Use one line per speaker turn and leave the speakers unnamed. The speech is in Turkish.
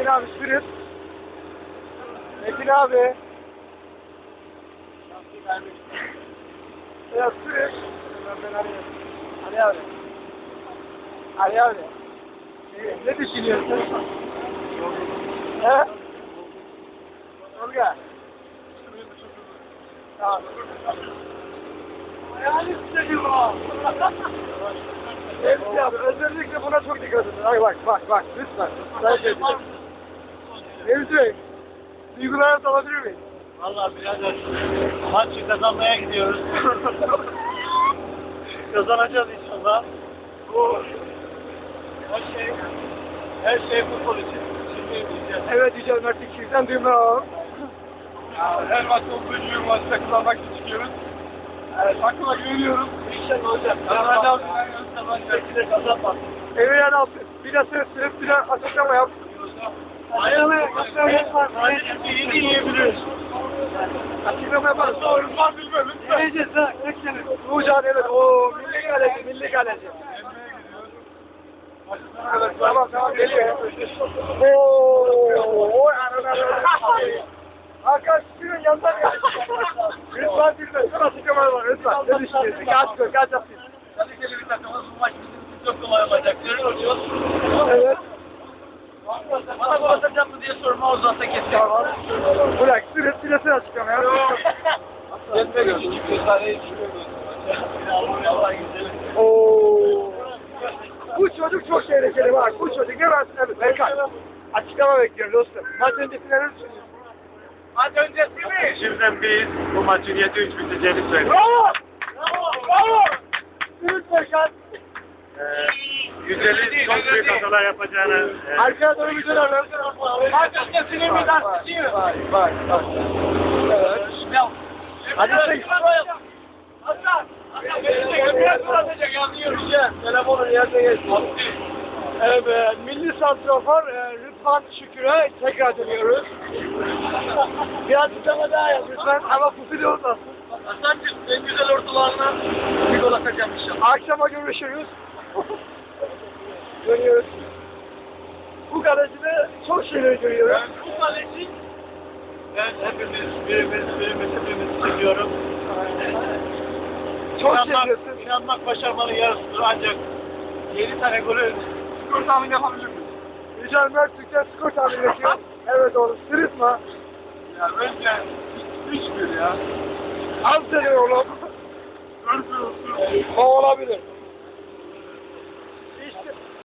abi sürüp. Metin abi. Ya sürüp. Ben arıyorum. Ali abi. Ali abi. Ne düşünüyorsun? He? Olga. Tamam. Hayal istedim o. Evet abi, özellikle buna çok dikkat edin. Ay bak, lütfen. Ben şey diyeceğim. Nevzi, duygularını alabilir miyim?
Vallahi birader, maçı kazanmaya gidiyoruz. Kazanacağız inşallah. Bu her şey futbol için. Şimdi diyeceğiz.
Evet Yücel Mert İkiz'den duygularını alalım.
Her maç olduğu gibi maçta kazanmak için çıkıyoruz. Evet, aklıma güveniyorum. İnşallah hocam. Kazanacağız. Kazanacağız. Kazanmaz.
Emre Yanaltı, bir de sürüp bir de açıklama yap.
Sadece yiyebiliriz.
Açıklama yaparız.
Doğru var bilmem lütfen.
Yiyeceğiz ha, ekseniz. Uğurcan evet, ooo milli kaleci. Evet, tamam geliyor. Ooo, Hakan Şükür'ün yanından geldi. Lütfen bilme, açıklama var lütfen. Ne düşünüyorsun? Kaç yapıyorsun?
Kaliteli bir takımız, bu maç bizim için çok kolay olacak. Görüyoruz.
Evet.
Bana gol atacak mı diye sorma, o zaten kesin.
Bırak, süresi açıklama ya.
Kendime göre küçük bir tane içmiyoruz. Allah güzel.
Ooo. Bu çocuk çok tehlikeli bak. Bu çocuk ne versin evet. Berkay. Açıklama bekliyorum dostum. Maç öncesi neler düşünüyorsun?
Maç öncesi mi? Şimdiden biz bu maçın 7-3 biteceğini söylüyoruz.
Bravo! Bravo! Sürüt Berkay.
Güzel'in çok büyük hatalar yapacağını...
Arkaya doğru güzel alalım.
Maç öncesinin bir tartışıyor.
Bak. Evet. Hadi sen.
Hasan! Beni de gömüyor atacak, anlıyorum.
Telefonun yerine geçti. Evet, milli santrafor Rıdvan Şükür'e tekrar dönüyoruz. Bir açıklama daha yap lütfen ama fufili olmasın.
Hasan'cığım en güzel ortalarına bir gol atacağım inşallah.
Akşama görüşürüz. Dönüyoruz. Bu kalecide çok şeyler görüyoruz.
Bu kaleci ben birimiz çekiyorum.
Çok seviyorsun.
İnanmak başarmanın yarısıdır ancak 7 tane golü skor tahmini yapabilir miyiz?
Yücel Mert Türk'ten skor tahmin ediyor. Evet oğlum, sırıtma.
Ya önce 3-1 ya.
Az seni oğlum.
4-1 olsun.
O olabilir.